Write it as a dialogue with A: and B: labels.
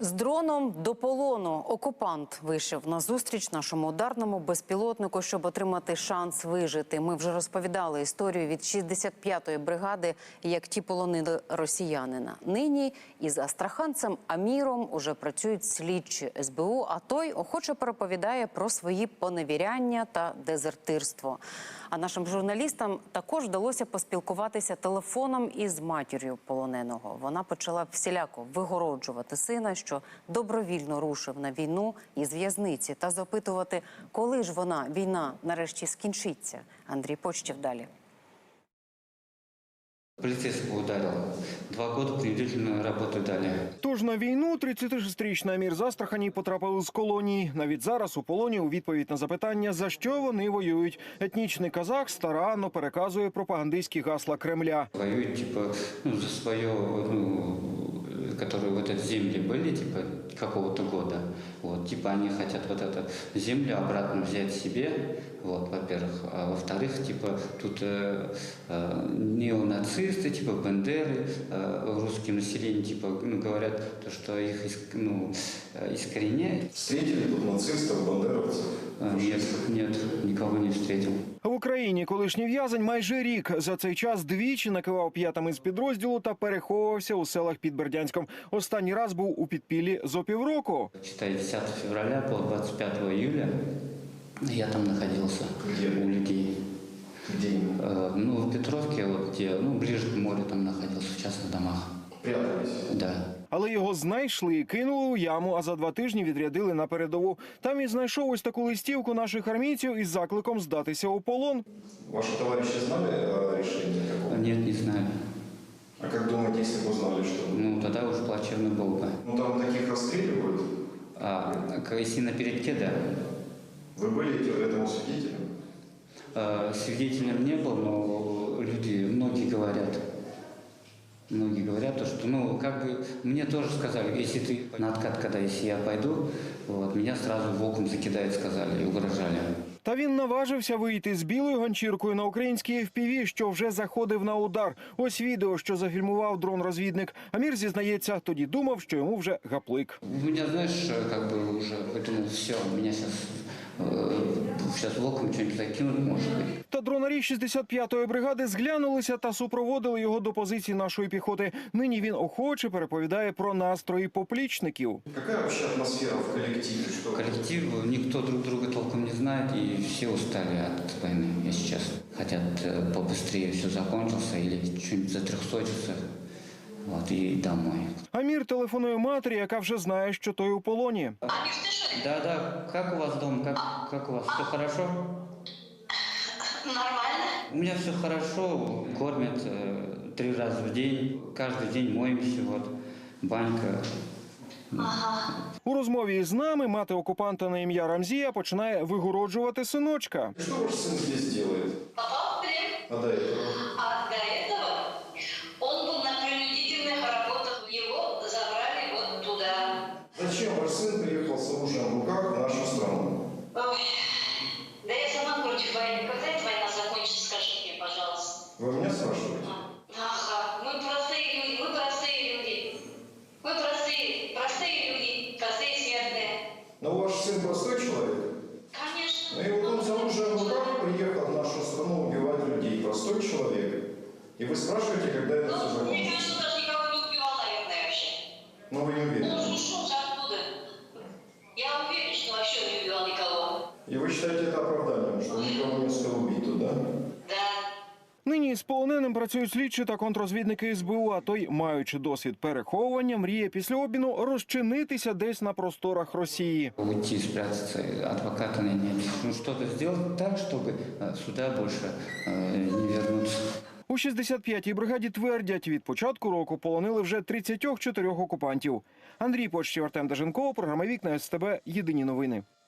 A: З дроном до полону окупант вийшов на зустріч нашому ударному безпілотнику, щоб отримати шанс вижити. Ми вже розповідали історію від 65-ї бригади, як ті полонили росіянина. Нині із астраханцем Аміром уже працюють слідчі СБУ, а той охоче переповідає про свої поневіряння та дезертирство. А нашим журналістам також вдалося поспілкуватися телефоном із матір'ю полоненого. Вона почала всіляко вигороджувати сина, що добровільно рушив на війну із в'язниці, та запитувати, коли ж війна, нарешті скінчиться. Андрій Почтів далі.
B: Полицейского ударил. 2 года принудительную работу дали.
C: Тож на війну 36-річний Амір з Астрахані потрапив з колонії. Навіть зараз у полоні у відповідь на запитання, за що вони воюють. Етнічний казах старанно переказує пропагандистські гасла Кремля.
B: Воюют, за свое, которые вот эти земли были, какого-то года. Они хотят вот эту землю обратно взять себе, во-первых. А во-вторых, тут неонацисты, Бандеры, русские население, говорят, что их искореняют.
D: Встретили тут нацистов, бандеровцев?
B: Нет, никого не встретил.
C: В Україні колишній в'язень майже рік. За цей час двічі накивав п'ятами з підрозділу та переховувався у селах під Бердянськом. Останній раз був у підпіллі зо півроку.
B: 10 февраля по 25 июля я там находился.
D: Где?
B: У людей.
D: Где?
B: В Петровке, ближе к морю там находился, в частных домах.
D: Прятались?
B: Да.
C: Але його знайшли і кинули у яму, а за 2 тижні відрядили на передову. Там він знайшов ось таку листівку наших армійців із закликом здатися у полон.
D: Ваши товарищи знали о решении такого?
B: Нет, не знаю.
D: А как думаете, если бы узнали, что?
B: Тогда уже плачевно было бы.
D: Там таких расстреливают.
B: Если на передке, да.
D: Вы были этому свидетелем?
B: Свидетелем не был, но многие говорят, что, мне тоже сказали, если ты на откат, если я пойду, меня сразу волком закидают, сказали, и угрожали.
C: Та він наважився вийти з білою ганчіркою на українській FPV, що вже заходив на удар. Ось відео, що зафільмував дрон-розвідник. Амір зізнається, тоді думав, що йому вже гаплик.
B: У меня, знаешь, уже, поэтому все, меня сейчас волком что-нибудь закинут, может быть.
C: Та дронарі 65-ї бригади зглянулися та супроводили його до позиції нашої піхоти. Нині він охоче переповідає про настрої поплічників.
D: Какая вообще атмосфера в коллективе?
B: Коллектив, никто друг друга толком не знает, и все устали от войны, если честно. Хотят побыстрее все закончился или что-нибудь затрехсотиться, и домой.
C: Амір телефонує матері, яка вже знає, що той у полоні.
B: Да, как у вас дома, как у вас, все хорошо?
E: Нормально.
B: У меня все хорошо, кормят 3 раза в день, каждый день моемся, банька.
E: Ага.
C: У розмові з нами мати окупанта на ім'я Рамзія починає вигороджувати синочка.
D: Что ваш сын здесь делает?
E: Попал в плен.
D: А до этого?
E: А до этого он был на принудительных работах. Его забрали вот туда.
D: Зачем ваш сын приехал с оружием в руках в нашу страну?
E: Ой, да я сама против войны. Когда эта война закончится, скажите мне, пожалуйста.
D: Вы меня спрашиваете?
E: Ага, мы простые люди, мы простые люди. Мы простые люди, простые смертные.
D: Но ваш сын простой человек?
E: Конечно.
D: И вот он с оружием в руках приехал в нашу страну убивать людей. Простой человек. И вы спрашиваете, когда это все
E: Мне
D: закончится?
E: кажется, даже никого не убивал, наверное, вообще.
D: Но вы не уверены?
E: Он ушел же оттуда. Я уверен, что вообще не убивал никого.
D: И вы считаете это оправданием, что он никого не успел убить туда?
E: Да.
C: Нині з полоненим працюють слідчі та контррозвідники СБУ, а той, маючи досвід переховування, мріє після обміну розчинитися десь на просторах Росії.
B: Уйти, спрятаться, адвоката нанять. Что-то сделать так, чтобы сюда больше не вернуться.
C: У 65-й бригаді твердять, від початку року полонили вже 34 окупантів. Андрій Почтів, Артем Даженков, програма «Вікна СТБ», єдині новини.